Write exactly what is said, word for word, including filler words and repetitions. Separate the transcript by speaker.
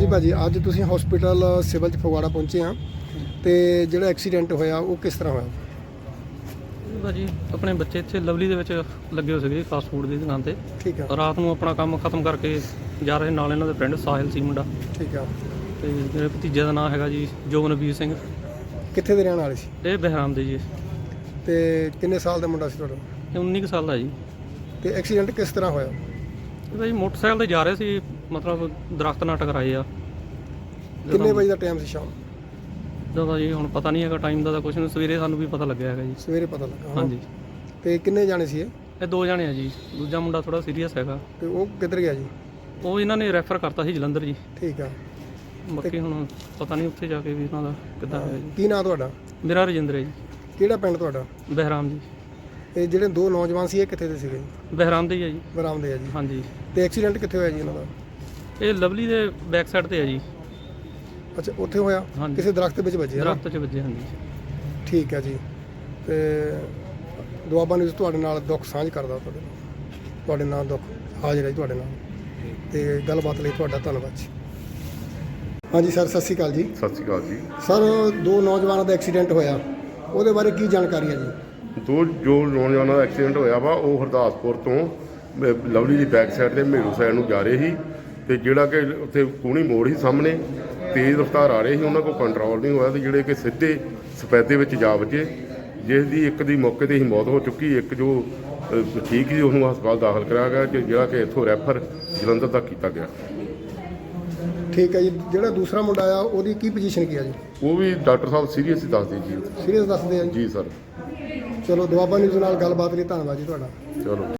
Speaker 1: भाजी अज तुसीं hospital civil च फगवाड़ा पहुंचे हाँ तो जो एक्सीडेंट होया वो किस तरह होया?
Speaker 2: भाजी अपने बच्चे इत्थे लवली दे विच लगे हो सके फास्ट फूड की दुकान ते।
Speaker 1: ठीक है।
Speaker 2: रात नूं अपना काम खत्म करके जा रहे नाल इन्हां दे फ्रेंड साहिल सी मुंडा।
Speaker 1: ठीक है।
Speaker 2: ते मेरे भतीजे का नाम हैगा जी जोगनवीर सिंह।
Speaker 1: कित्थे दे रहण वाले सी?
Speaker 2: ये बहराम दे जी।
Speaker 1: ते किन्ने साल दा मुंडा सी तुहाडा?
Speaker 2: ये उन्नी साल का जी।
Speaker 1: ते एक्सीडेंट किस तरह होया?
Speaker 2: भाई मोटरसाइकिल ते जा रहे सी, मतलब दरख्त नाल टकराए आ।
Speaker 1: किन्ने बजे दा टाइम सी शाम?
Speaker 2: ਜਦੋਂ ਜੀ ਹੁਣ ਪਤਾ ਨਹੀਂ ਹੈਗਾ ਟਾਈਮ ਦਾ ਤਾਂ ਕੁਛ ਨਹੀਂ, ਸਵੇਰੇ ਸਾਨੂੰ ਵੀ ਪਤਾ ਲੱਗਿਆ ਹੈਗਾ ਜੀ।
Speaker 1: ਸਵੇਰੇ ਪਤਾ ਲੱਗਾ?
Speaker 2: ਹਾਂਜੀ।
Speaker 1: ਤੇ ਕਿੰਨੇ ਜਾਣੇ ਸੀ ਇਹ?
Speaker 2: ਇਹ ਦੋ ਜਾਣੇ ਆ ਜੀ, ਦੂਜਾ ਮੁੰਡਾ ਥੋੜਾ ਸੀਰੀਅਸ ਹੈਗਾ।
Speaker 1: ਤੇ ਉਹ ਕਿੱਧਰ ਗਿਆ ਜੀ?
Speaker 2: ਉਹ ਇਹਨਾਂ ਨੇ ਰੈਫਰ ਕਰਤਾ ਸੀ ਜਲੰਧਰ ਜੀ।
Speaker 1: ਠੀਕ ਆ।
Speaker 2: ਬਾਕੀ ਹੁਣ ਪਤਾ ਨਹੀਂ ਉੱਥੇ ਜਾ ਕੇ ਵੀ ਇਹਨਾਂ ਦਾ ਕਿੱਦਾਂ ਹੈ ਜੀ।
Speaker 1: ਕੀ ਨਾਂ ਤੁਹਾਡਾ?
Speaker 2: ਮੇਰਾ ਰਜਿੰਦਰ ਹੈ ਜੀ।
Speaker 1: ਕਿਹੜਾ ਪਿੰਡ ਤੁਹਾਡਾ?
Speaker 2: ਬਹਿਰਾਮ ਜੀ।
Speaker 1: ਇਹ ਜਿਹੜੇ ਦੋ ਨੌਜਵਾਨ ਸੀ ਇਹ ਕਿੱਥੇ ਦੇ ਸੀਗੇ?
Speaker 2: ਬਹਿਰਾਮ ਦੇ ਹੀ ਆ ਜੀ।
Speaker 1: ਬਰਾਮ ਦੇ ਆ ਜੀ।
Speaker 2: ਹਾਂਜੀ।
Speaker 1: ਤੇ ਐਕਸੀਡੈਂਟ ਕਿੱਥੇ ਹੋਇਆ ਜੀ ਇਹਨਾਂ ਦਾ?
Speaker 2: ਇਹ ਲਵਲੀ ਦੇ ਬੈਕ ਸਾਈਡ ਤੇ ਆ ਜੀ।
Speaker 1: ਅੱਛਾ ਉੱਥੇ ਹੋਇਆ?
Speaker 2: ਹਾਂਜੀ।
Speaker 1: ਕਿਸੇ ਦਰਖਤ ਵਿੱਚ ਵੱਜੇ?
Speaker 2: ਦਰਖਤ 'ਚ ਵੱਜੇ। ਹਾਂਜੀ।
Speaker 1: ਠੀਕ ਹੈ ਜੀ। ਤੇ ਦੁਆਬਾ ਨਿਊਜ਼ ਤੁਹਾਡੇ ਨਾਲ ਦੁੱਖ ਸਾਂਝ ਕਰਦਾ, ਤੁਹਾਡੇ ਨਾਲ ਤੁਹਾਡੇ ਨਾਲ ਦੁੱਖ ਹਾਜ਼ਰ ਹੈ ਤੁਹਾਡੇ ਨਾਲ, ਤੇ ਗੱਲਬਾਤ ਲਈ ਤੁਹਾਡਾ ਧੰਨਵਾਦ ਜੀ। ਹਾਂਜੀ ਸਰ, ਸਤਿ ਸ਼੍ਰੀ ਅਕਾਲ ਜੀ।
Speaker 3: ਸਤਿ ਸ਼੍ਰੀ ਅਕਾਲ ਜੀ।
Speaker 1: ਸਰ ਦੋ ਨੌਜਵਾਨਾਂ ਦਾ ਐਕਸੀਡੈਂਟ ਹੋਇਆ, ਉਹਦੇ ਬਾਰੇ ਕੀ ਜਾਣਕਾਰੀ ਹੈ ਜੀ?
Speaker 3: ਦੋ ਜੋ ਨੌਜਵਾਨਾਂ ਦਾ ਐਕਸੀਡੈਂਟ ਹੋਇਆ ਵਾ ਉਹ ਹਰਦਾਸਪੁਰ ਤੋਂ ਅਹ, ਲਵਲੀ ਦੀ ਬੈਕ ਸਾਈਡ ਤੇ ਮੇਰੂ ਸਾਈਡ ਨੂੰ ਜਾ ਰਹੇ ਸੀ, ਤੇ ਜਿਹੜਾ ਕਿ ਉੱਥੇ ਕੂਣੀ ਮੋੜ ਸੀ ਸਾਹਮਣੇ, ਤੇਜ਼ ਰਫ਼ਤਾਰ ਆ ਰਹੇ ਸੀ, ਉਹਨਾਂ ਕੋਲ ਕੰਟਰੋਲ ਨਹੀਂ ਹੋਇਆ ਤੇ ਜਿਹੜੇ ਕਿ ਸਿੱਧੇ ਸਫੈਦੇ ਵਿੱਚ ਜਾ ਵੱਜੇ, ਜਿਸ ਦੀ ਇੱਕ ਦੀ ਮੌਕੇ ਤੇ ਹੀ ਮੌਤ ਹੋ ਚੁੱਕੀ। ਇੱਕ ਜੋ ਅਹ, ਠੀਕ ਸੀ ਉਹਨੂੰ ਹਸਪਤਾਲ ਦਾਖਲ ਕਰਾਇਆ ਗਿਆ, ਕਿ ਜਿਹੜਾ ਕਿ ਇੱਥੋਂ ਰੈਫਰ ਜਲੰਧਰ ਤੱਕ ਕੀਤਾ ਗਿਆ।
Speaker 1: ਠੀਕ ਹੈ ਜੀ। ਜਿਹੜਾ ਦੂਸਰਾ ਮੁੰਡਾ ਆ ਉਹਦੀ ਕੀ ਪੋਜੀਸ਼ਨ ਕੀ ਆ ਜੀ?
Speaker 3: ਉਹ ਵੀ ਡਾਕਟਰ ਸਾਹਿਬ ਸੀਰੀਅਸ ਹੀ ਦੱਸਦੇ ਜੀ।
Speaker 1: ਸੀਰੀਅਸ ਦੱਸਦੇ ਆ ਜੀ?
Speaker 3: ਜੀ ਸਰ।
Speaker 1: ਚਲੋ ਦੁਆਬਾ ਨਿਊਜ਼ ਨਾਲ ਗੱਲਬਾਤ ਲਈ ਧੰਨਵਾਦ ਜੀ ਤੁਹਾਡਾ।
Speaker 3: ਚਲੋ।